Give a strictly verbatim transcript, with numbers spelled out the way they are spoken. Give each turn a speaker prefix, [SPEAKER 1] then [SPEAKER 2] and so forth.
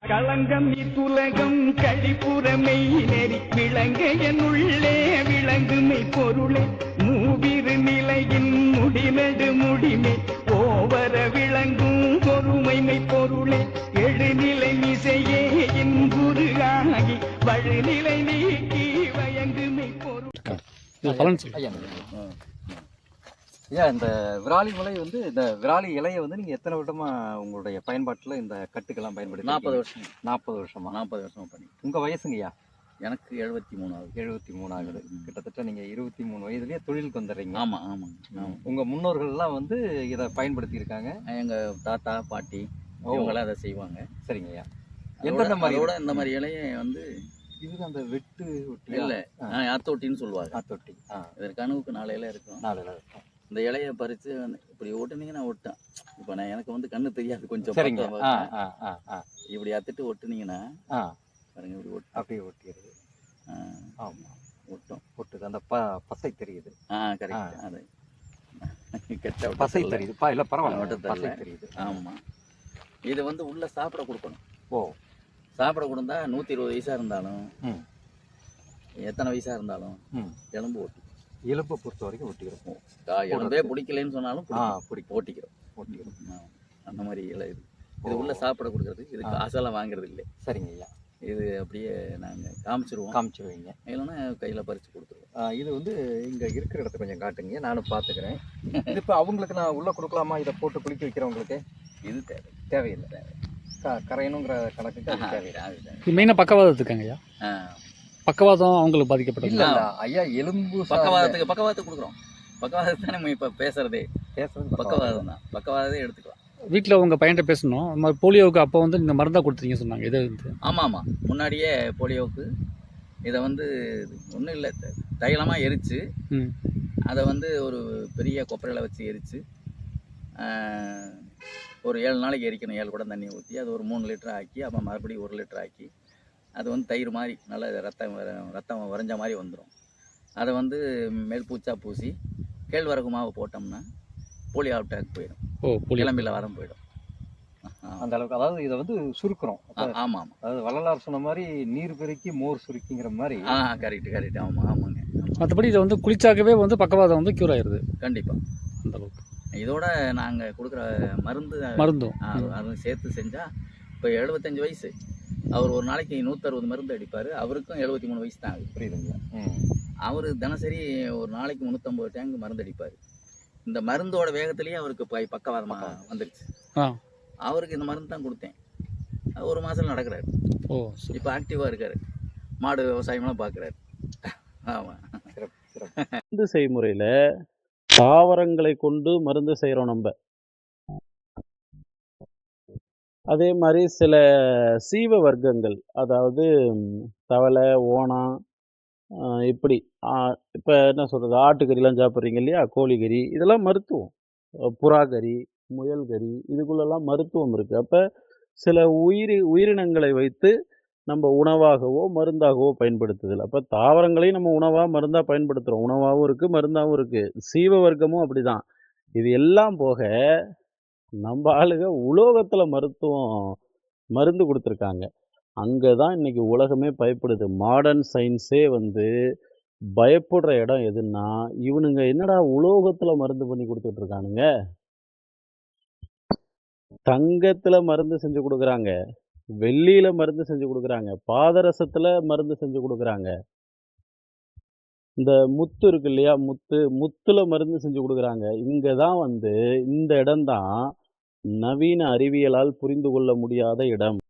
[SPEAKER 1] களங்கம் இத்துலகம் கழிப்புறமை நெறி விளங்க என்னுள்ளே விளங்குமை பொருளே மூவிரு நிலையின் முடிநடு முடிமை ஓவர விளங்கும் பொறுமைமை பொருளே எழுநிலை மிசையே என் குரு ஆகி வழுநிலை நீக்கி வயங்குமை பொருள்.
[SPEAKER 2] ஐயா, இந்த விராலி முளை வந்து இந்த விராலி இலையை வந்து நீங்கள் எத்தனை வருடமா உங்களுடைய பயன்பாட்டில் இந்த கட்டுக்கெல்லாம் பயன்படுத்தி?
[SPEAKER 3] நாற்பது வருஷம்.
[SPEAKER 2] நாற்பது வருஷமா?
[SPEAKER 3] நாற்பது வருஷமா பண்ணி.
[SPEAKER 2] உங்கள் வயசுங்கய்யா?
[SPEAKER 3] எனக்கு எழுபத்தி மூணு ஆகுது.
[SPEAKER 2] எழுபத்தி மூணு ஆகுது. கிட்டத்தட்ட நீங்கள் இருபத்தி மூணு வயதுலேயே தொழிலுக்கு வந்துடுறீங்க.
[SPEAKER 3] ஆமாம் ஆமாம்.
[SPEAKER 2] உங்கள் முன்னோர்கள்லாம் வந்து இதை பயன்படுத்தி இருக்காங்க.
[SPEAKER 3] எங்கள் தாத்தா பாட்டி இவங்களாம் அதை செய்வாங்க.
[SPEAKER 2] சரிங்கய்யா. எந்தெந்த மாதிரியோட
[SPEAKER 3] இந்த மாதிரி இலையை வந்து
[SPEAKER 2] இது அந்த வெட்டு ஒட்டி
[SPEAKER 3] இல்லை, ஆத்தொட்டின்னு சொல்லுவாங்க.
[SPEAKER 2] ஆத்தொட்டி. ஆ,
[SPEAKER 3] இதற்கு கனவுக்கு நாலு இலை இருக்கும்.
[SPEAKER 2] நாலு இலை இருக்கும்.
[SPEAKER 3] இந்த இலையை பறித்து இப்படி ஒட்டுனீங்கன்னா ஒட்டேன். இப்போ நான் எனக்கு வந்து கண்ணு தெரியாது கொஞ்சம்.
[SPEAKER 2] சரிங்க.
[SPEAKER 3] இப்படி அத்துட்டு ஒட்டுனீங்கன்னா பாருங்க, இப்படி ஒட்டு
[SPEAKER 2] அப்படியே ஒட்டிடுது. ஆமாம்,
[SPEAKER 3] ஒட்டும்.
[SPEAKER 2] ஒட்டுது. அந்த ப பசை தெரியுது.
[SPEAKER 3] ஆ கரெக்ட். அது கெட்ட
[SPEAKER 2] பசை தெரியுது. பா இல்லை பரவாயில்ல,
[SPEAKER 3] ஒட்ட
[SPEAKER 2] பசை தெரியுது.
[SPEAKER 3] ஆமாம். இதை வந்து உள்ள சாப்பிட கொடுக்கணும்.
[SPEAKER 2] ஓ,
[SPEAKER 3] சாப்பிட கொடுத்தா நூற்றி இருபது வயசாக இருந்தாலும் எத்தனை வயசாக இருந்தாலும் எலும்பு ஓட்டி
[SPEAKER 2] எலும்பை பொறுத்த வரைக்கும் ஒட்டிக்கிறோம்.
[SPEAKER 3] எலும்பே பிடிக்கலன்னு சொன்னாலும்
[SPEAKER 2] பிடிக்கும்,
[SPEAKER 3] ஓட்டிக்கிறோம் ஓட்டிக்கிறோம் அந்த மாதிரி இல்லை. இது இது உள்ள சாப்பிட கொடுக்குறது. இது காசெல்லாம் வாங்குறது இல்லை.
[SPEAKER 2] சரிங்க ஐயா.
[SPEAKER 3] இது அப்படியே நாங்கள் காமிச்சிருவோம்.
[SPEAKER 2] காமிச்சிருவீங்க
[SPEAKER 3] இல்லைன்னா கையில் பறித்து கொடுத்துருவோம்.
[SPEAKER 2] இது வந்து இங்கே இருக்கிற இடத்த கொஞ்சம் காட்டுங்க, நானும் பார்த்துக்கிறேன். இது இப்போ அவங்களுக்கு நான் உள்ளே கொடுக்கலாமா? இதை போட்டு குளிக்க வைக்கிறவங்களுக்கு
[SPEAKER 3] இது தேவை
[SPEAKER 2] தேவையில்லை. தேவை க கரையணுங்கிற கணக்குக்கு அது தேவையில்லை.
[SPEAKER 4] இது மெயினாக பக்கவாதத்துக்காங்க ஐயா. பக்கவாதம் அவங்களுக்கு பாதிக்கப்பட்டது
[SPEAKER 2] இல்லை ஐயா. எலும்பு
[SPEAKER 3] பக்கவாதத்துக்கு பக்கவாதத்துக்கு கொடுக்குறோம். பக்கவாதத்தை நம்ம இப்போ பேசுறதே
[SPEAKER 2] பேசுறது
[SPEAKER 3] பக்கவாதம் தான். பக்கவாதத்தை எடுத்துக்கலாம்.
[SPEAKER 4] வீட்டில் உங்கள் பையன்கிட்ட பேசணும். அந்த மாதிரி போலியோவுக்கு அப்போ வந்து நீங்கள் மருந்தாக கொடுத்தீங்க சொன்னாங்க. இது வந்து
[SPEAKER 3] ஆமாம் ஆமாம். முன்னாடியே போலியோவுக்கு இதை வந்து ஒன்றும் இல்லை, தைலமாக எரித்து அதை வந்து ஒரு பெரிய கொப்பரையில் வச்சு எரித்து ஒரு ஏழு நாளைக்கு எரிக்கணும். ஏழு குடம் தண்ணி ஊற்றி அது ஒரு மூணு லிட்டர் ஆக்கி அப்புறம் மறுபடியும் ஒரு லிட்டர் ஆக்கி அது வந்து தயிர் மாதிரி நல்லா ரத்தம் ரத்தம் வரைஞ்ச மாதிரி வந்துடும். அதை வந்து மேல் பூச்சா பூசி கேழ்வரகு மாவு போட்டோம்னா போலியோ அட்டாக் போயிடும்.
[SPEAKER 4] ஓ,
[SPEAKER 3] கிளம்பில வரம் போயிடும்
[SPEAKER 2] அந்த அளவுக்கு. அதாவது இதை வந்து சுருக்குறோம்.
[SPEAKER 3] ஆமாம் ஆமாம்.
[SPEAKER 2] அதாவது வள்ளலார் சொன்ன மாதிரி நீர் பெருக்கி மோர் சுருக்கிங்கிற மாதிரி.
[SPEAKER 3] ஆ கரெக்ட் கரெக்ட். ஆமாம் ஆமாங்க.
[SPEAKER 4] மற்றபடி இதை வந்து குளிச்சாக்கவே வந்து பக்கவாதம் வந்து க்யூர் ஆயிடுது.
[SPEAKER 3] கண்டிப்பாக
[SPEAKER 4] அந்த அளவுக்கு.
[SPEAKER 3] இதோட நாங்கள் கொடுக்குற மருந்து
[SPEAKER 4] மருந்தும்
[SPEAKER 3] அதுவும் சேர்த்து செஞ்சால் இப்போ எழுபத்தஞ்சு வயசு அவர் ஒரு நாளைக்கு நூற்றறுபது மருந்து அடிப்பார். அவருக்கும் எழுபத்தி மூணு வயசு தான் ஆகுது.
[SPEAKER 2] புரியுதுங்களா?
[SPEAKER 3] அவர் தினசரி ஒரு நாளைக்கு முந்நூற்றம்பது டேங்க் மருந்து அடிப்பார். இந்த மருந்தோட வேகத்திலேயே அவருக்கு ப பக்கவாதமாக வந்துடுச்சு. அவருக்கு இந்த மருந்து தான் கொடுத்தேன். ஒரு மாதம் நடக்கிறாரு.
[SPEAKER 4] ஓ,
[SPEAKER 3] இப்போ ஆக்டிவாக இருக்கார். மாடு விவசாயமெல்லாம் பார்க்குறாரு. ஆமாம்.
[SPEAKER 2] சிறப்பு சிறப்பு.
[SPEAKER 5] மருந்து செய்முறையில் தாவரங்களை கொண்டு மருந்து செய்கிறோம் நம்ம. அதே மாதிரி சில சீவ வர்க்கங்கள், அதாவது தவளை, ஓணம், இப்படி இப்போ என்ன சொல்கிறது, ஆட்டுக்கறிலாம் சாப்பிட்றீங்க இல்லையா, கோழிக்கறி, இதெல்லாம் மருத்துவம். புறாக்கறி, முயல் கறி, இதுக்குள்ளெல்லாம் மருத்துவம் இருக்குது. அப்போ சில உயிரி உயிரினங்களை வைத்து நம்ம உணவாகவோ மருந்தாகவோ பயன்படுத்துதல். அப்போ தாவரங்களையும் நம்ம உணவாக மருந்தாக பயன்படுத்துகிறோம். உணவாகவும் இருக்குது, மருந்தாகவும் இருக்குது. சீவ வர்க்கமும் அப்படி தான். இது எல்லாம் போக நம்ம ஆளுங்க உலோகத்தில் மருத்துவம் மருந்து கொடுத்துருக்காங்க. அங்கே தான் இன்றைக்கி உலகமே பயப்படுது. மாடர்ன் சயின்ஸே வந்து பயப்படுற இடம் எதுன்னா, இவனுங்க என்னடா உலோகத்தில் மருந்து பண்ணி கொடுத்துட்ருக்கானுங்க. தங்கத்தில் மருந்து செஞ்சு கொடுக்குறாங்க, வெள்ளியில் மருந்து செஞ்சு கொடுக்குறாங்க, பாதரசத்தில் மருந்து செஞ்சு கொடுக்குறாங்க. இந்த முத்து இருக்கு இல்லையா, முத்து முத்துல மருந்து செஞ்சு கொடுக்குறாங்க. இங்கே தான் வந்து இந்த இடம்தான் நவீன அறிவியலால் புரிந்து கொள்ள முடியாத இடம்.